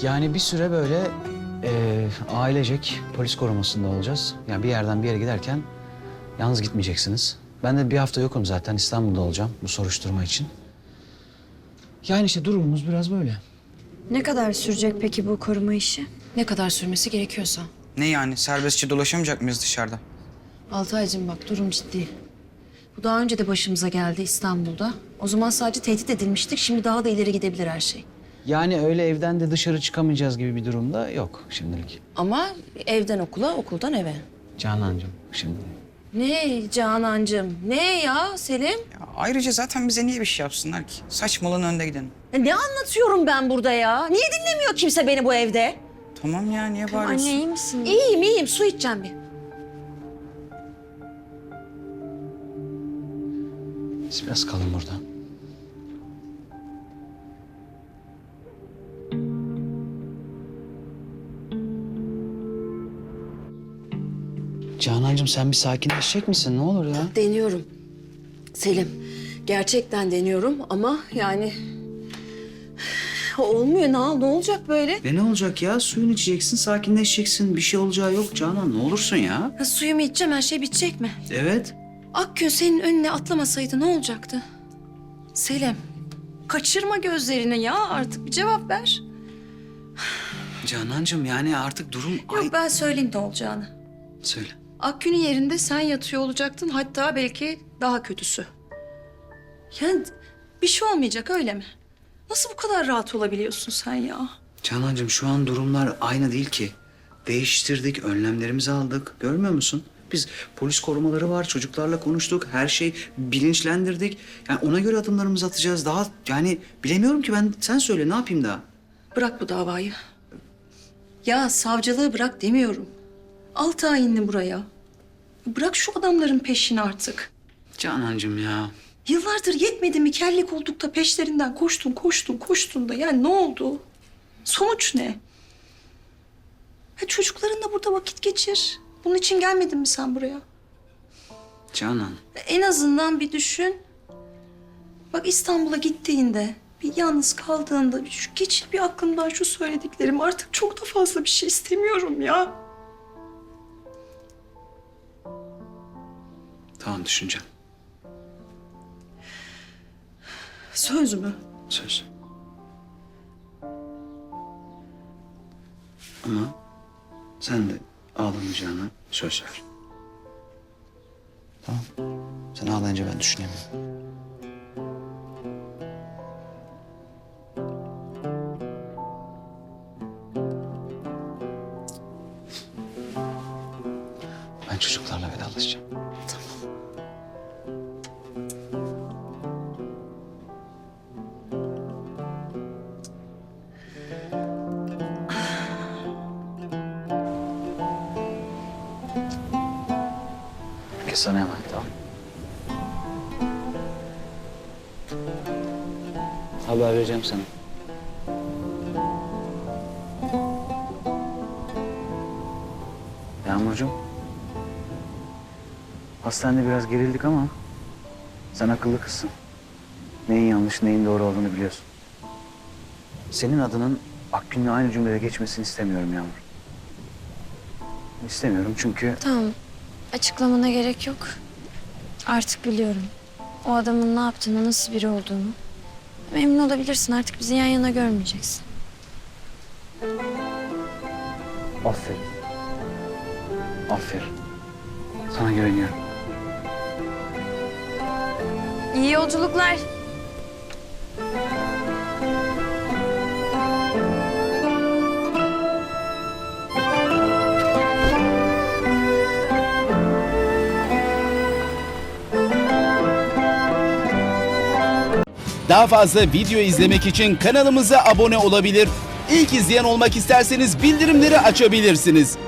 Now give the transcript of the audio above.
Yani bir süre böyle ailecek polis korumasında olacağız. Yani bir yerden bir yere giderken yalnız gitmeyeceksiniz. Ben de bir hafta yokum zaten, İstanbul'da olacağım bu soruşturma için. Yani işte durumumuz biraz böyle. Ne kadar sürecek peki bu koruma işi? Ne kadar sürmesi gerekiyorsa. Ne yani? Serbestçe dolaşamayacak mıyız dışarıda? Altaycığım bak, durum ciddi. Bu daha önce de başımıza geldi İstanbul'da. O zaman sadece tehdit edilmiştik. Şimdi daha da ileri gidebilir her şey. Yani öyle evden de dışarı çıkamayacağız gibi bir durumda yok şimdilik. Ama evden okula, okuldan eve. Canancığım şimdi. Ne Canancığım? Ne ya Selim? Ya ayrıca zaten bize niye bir şey yapsınlar ki? Saçmalığın önde gidelim. Ya ne anlatıyorum ben burada ya? Niye dinlemiyor kimse beni bu evde? Tamam ya, niye bağırıyorsun? Anne iyi misin? İyiyim, iyiyim. Su içeceğim bir. Siz biraz kalın burada. Canancığım sen bir sakinleşecek misin? Ne olur ya. Deniyorum. Selim, gerçekten deniyorum ama yani... Olmuyor. Ne olacak böyle? Ne olacak ya? Suyunu içeceksin, sakinleşeceksin. Bir şey olacağı yok Canan. Ne olursun ya. Ha, suyumu içeceğim, her şey bitecek mi? Evet. Akgün senin önüne atlamasaydı ne olacaktı? Selim, kaçırma gözlerini ya. Artık bir cevap ver. Canancığım yani artık durum... Yok, ben söyleyeyim ne olacağını. Söyle. Akgün'ün yerinde sen yatıyor olacaktın. Hatta belki daha kötüsü. Yani bir şey olmayacak, öyle mi? Nasıl bu kadar rahat olabiliyorsun sen ya? Canancığım şu an durumlar aynı değil ki. Değiştirdik, önlemlerimizi aldık. Görmüyor musun? Biz polis korumaları var, çocuklarla konuştuk. Her şey bilinçlendirdik. Yani ona göre adımlarımızı atacağız. Daha yani bilemiyorum ki ben. Sen söyle ne yapayım daha? Bırak bu davayı. Ya savcılığı bırak demiyorum. Al tayinli buraya. Bırak şu adamların peşini artık. Canancığım ya. Yıllardır yetmedi mi kelli koltukta peşlerinden koştun da yani ne oldu? Sonuç ne? Ha, çocuklarınla burada vakit geçir. Bunun için gelmedin mi sen buraya? Canan. En azından bir düşün. Bak İstanbul'a gittiğinde, bir yalnız kaldığında geçir bir aklımdan şu söylediklerim. Artık çok da fazla bir şey istemiyorum ya. Tamam düşüneceğim. Söz mü? Söz. Ama sen de ağlamayacağına söz ver. Tamam. Sen ağlayınca ben düşünemiyorum. Ben çocuklarla vedalaşacağım. Herkes sana emanet, tamam. Haber vereceğim sana. Yağmurcuğum. Hastanede biraz gerildik ama sen akıllı kızsın. Neyin yanlış, neyin doğru olduğunu biliyorsun. Senin adının Akgün'le aynı cümlede geçmesini istemiyorum Yağmur. İstemiyorum çünkü... Tamam. Açıklamana gerek yok. Artık biliyorum. O adamın ne yaptığını, nasıl biri olduğunu. Emin olabilirsin, artık bizi yan yana görmeyeceksin. Aferin. Aferin. Sana güveniyorum. İyi yolculuklar. Daha fazla video izlemek için kanalımıza abone olabilir. İlk izleyen olmak isterseniz bildirimleri açabilirsiniz.